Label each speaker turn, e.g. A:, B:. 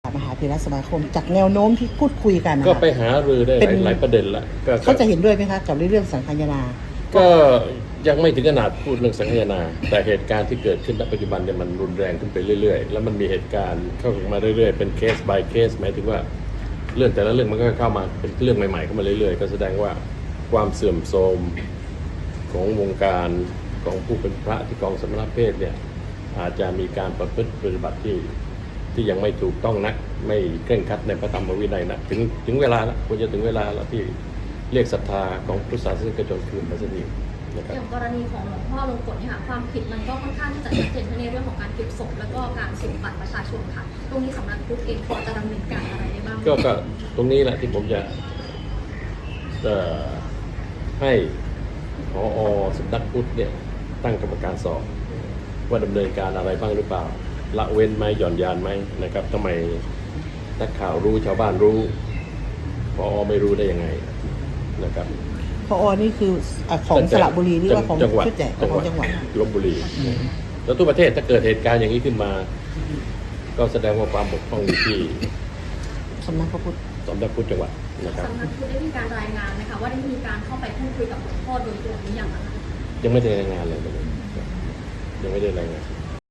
A: มหาเถรสมาคมจากแนวโน้มที่พูดคุยกัน
B: ก็ไปหารือได้หลายประเด็นละ
A: เขาจะเห็นด้วยไหมคะกับเรื่องสังคายนา
B: ก็ยังไม่ถึงขนาดพูดเรื่องสังคายนาแต่เหตุการณ์ที่เกิดขึ้นณปัจจุบันเนี่ยมันรุนแรงขึ้นไปเรื่อยๆแล้วมันมีเหตุการณ์เข้ามาเรื่อยๆเป็นเคส by เคสหมายถึงว่าเรื่องแต่ละเรื่องมันก็เข้ามาเป็นเรื่องใหม่ๆเข้ามาเรื่อยๆก็แสดงว่าความเสื่อมโทรมของวงการของผู้เป็นพระที่ครองสมณเพศเนี่ยอาจจะมีการประพฤติปฏิบัติที่ยังไม่ถูกต้องนักไม่เคร่งครัดในพระธรรมวินัยนะถึงเวลาแล้วควรจะถึงเวลาแล้วที่เรียกศรัทธาของพุทธศาสนิกชนคืนมาสักทีนะครับ
C: อย่างกรณีของหลวงพ่อลงกฎเนี่ยค่ะความผิดมันก็ค่อนข้างที่จะชัดเจนในเรื่องของการเก็บศพแล้วก็การสุ่มบัตรประชาชนค่ะตรงนี้สำนักพุทธเองพอจะดำเนินการอะไรได้บ้าง
B: ก็ตรงนี้แหละที่ผมจะให้ผอ.สำนักพุทธเนี่ยตั้งกรรมการสอบว่าดำเนินการอะไรบ้างหรือเปล่าละเว้นไหมหย่อนยานไหมนะครับทำไมนักข่าวรู้ชาวบ้านรู้ผอ.ไม่รู้ได้ยังไงนะครับ
A: พอนี่คือของสระบุรีนี่ว่าของ
B: จังหวัด
A: ชุดใหญ่ของจังหวัด
B: ลพบุรีแล้วทุกประเทศถ้าเกิดเหตุการณ์อย่างนี้ขึ้นมาก็แสดงว่าความบกพร่องอยู่ที่
A: สำนักพระพุทธ
B: สำนักพุทธจังหวัดนะครับ
C: สำนักพุทธได้มีการรายงานไหมคะว่าได้มีการเข้าไปพูดคุยกับหลวงพ่อโดยตรงหรือยังนะคะ
B: ยังไม่ได้รายงานเลยยังไม่ได้รายงาน